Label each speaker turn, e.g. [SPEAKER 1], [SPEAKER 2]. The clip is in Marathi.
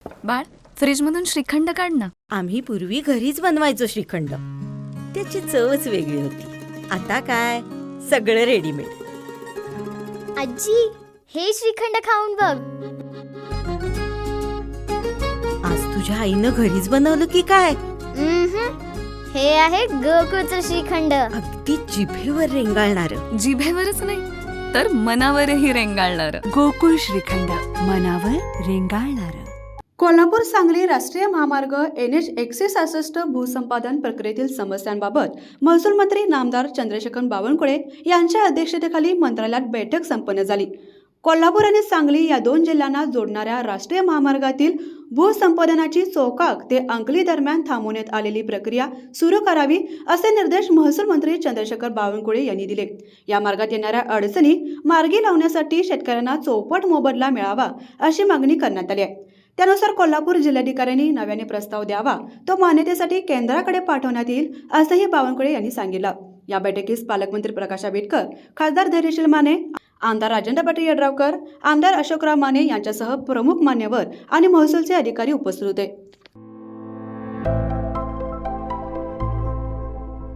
[SPEAKER 1] बाळ, फ्रीजमधून श्रीखंड काढ ना.
[SPEAKER 2] आम्ही पूर्वी घरीच बनवायचो श्रीखंड. त्याची चवच वेगळी होती. आता काय सगळं रेडीमेड.
[SPEAKER 3] आजी, हे श्रीखंड खाऊन बघ.
[SPEAKER 2] आज तुझ्या आईनं घरीच बनवलं की काय?
[SPEAKER 3] हे आहे गोकुळचं श्रीखंड.
[SPEAKER 2] अगदी जिभेवर रेंगाळणार.
[SPEAKER 1] जिभेवरच नाही तर मनावरही रेंगाळणार.
[SPEAKER 4] गोकुळ श्रीखंड, मनावर रेंगाळणार.
[SPEAKER 5] कोल्हापूर सांगली राष्ट्रीय महामार्ग NH 166 भूसंपादन प्रक्रियेतील समस्यांबाबत महसूल मंत्री नामदार चंद्रशेखर बावनकुळे यांच्या अध्यक्षतेखाली मंत्रालयात बैठक संपन्न झाली. कोल्हापूर आणि सांगली या दोन जिल्ह्यांना जोडणाऱ्या राष्ट्रीय महामार्गातील भूसंपादनाची चोकाक ते अंकली दरम्यान थांबवण्यात आलेली प्रक्रिया सुरू करावी असे निर्देश महसूल मंत्री चंद्रशेखर बावनकुळे यांनी दिले. या मार्गात येणाऱ्या अडचणी मार्गी लावण्यासाठी शेतकऱ्यांना चौपट मोबदला मिळावा अशी मागणी करण्यात आली आहे. त्यानुसार कोल्हापूर जिल्हाधिकाऱ्यांनी नव्याने प्रस्ताव द्यावा, तो मान्यतेसाठी केंद्राकडे पाठवण्यात येईल असंही बावनकुळे यांनी सांगितलं. या बैठकीस पालकमंत्री प्रकाश आंबेडकर, खासदार धैर्यशील माने, आमदार राजेंद्र पाटील यड्रावकर, आमदार अशोकराव माने यांच्यासह प्रमुख मान्यवर आणि महसूलचे अधिकारी उपस्थित होते.